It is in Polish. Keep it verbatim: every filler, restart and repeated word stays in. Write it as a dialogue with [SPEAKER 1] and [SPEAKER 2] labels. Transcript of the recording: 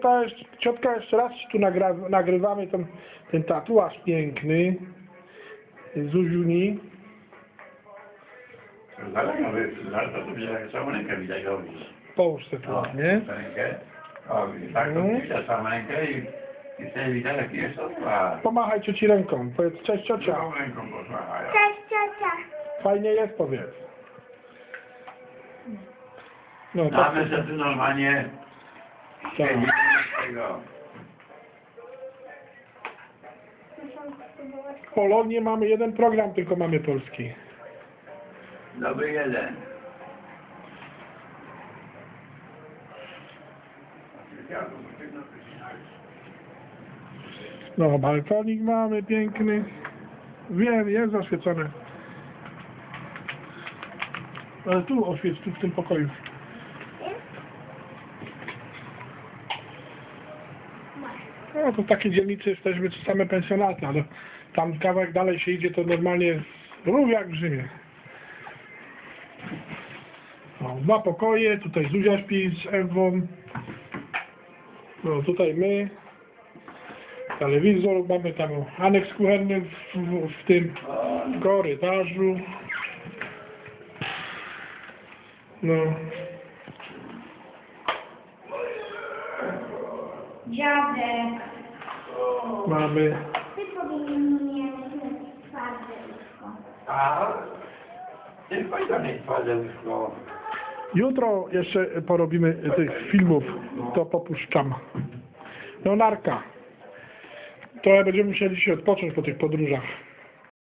[SPEAKER 1] Ciotka jeszcze, ciotka jeszcze raz tu nagra, nagrywamy ten, ten tatuaż piękny. Zuziuni.
[SPEAKER 2] Zależą, że to tu widać całą rękę widać robić.
[SPEAKER 1] Połóż sobie tu
[SPEAKER 2] No,
[SPEAKER 1] ładnie.
[SPEAKER 2] rękę. O, tak to
[SPEAKER 1] Mhm.
[SPEAKER 2] widać całą rękę i, i wtedy widać jaki jest to twarz.
[SPEAKER 1] Pomachaj cioci ręką. Powiedz cześć ciocia.
[SPEAKER 2] Całą ręką posłuchają.
[SPEAKER 3] Cześć, ciocia.
[SPEAKER 1] Fajnie jest, powiedz. No to
[SPEAKER 2] Mamy sobie tu normalnie
[SPEAKER 1] tak.
[SPEAKER 2] siedzimy tego.
[SPEAKER 1] W Polonii mamy jeden program, tylko mamy polski.
[SPEAKER 2] Dobry jeden.
[SPEAKER 1] No, balkonik mamy piękny. Wiem, jest zaświecony. Ale tu oświeć, tu w tym pokoju. No to w takiej dzielnicy jesteśmy, to same pensjonaty, ale tam kawałek dalej się idzie, to normalnie jest rów jak w Rzymie. No, dwa pokoje, tutaj Zuzia śpi z Ewą. No tutaj my. Telewizor, mamy tam aneks kuchenny w, w, w tym korytarzu. No.
[SPEAKER 3] Dziadek.
[SPEAKER 1] Mamy.
[SPEAKER 3] Ty powinien mieć twarde łóżko.
[SPEAKER 2] A, nie fajne nie twarde łóżko.
[SPEAKER 1] Jutro jeszcze porobimy tych filmów, to popuszczam. No narka. To będziemy musieli się odpocząć po tych podróżach.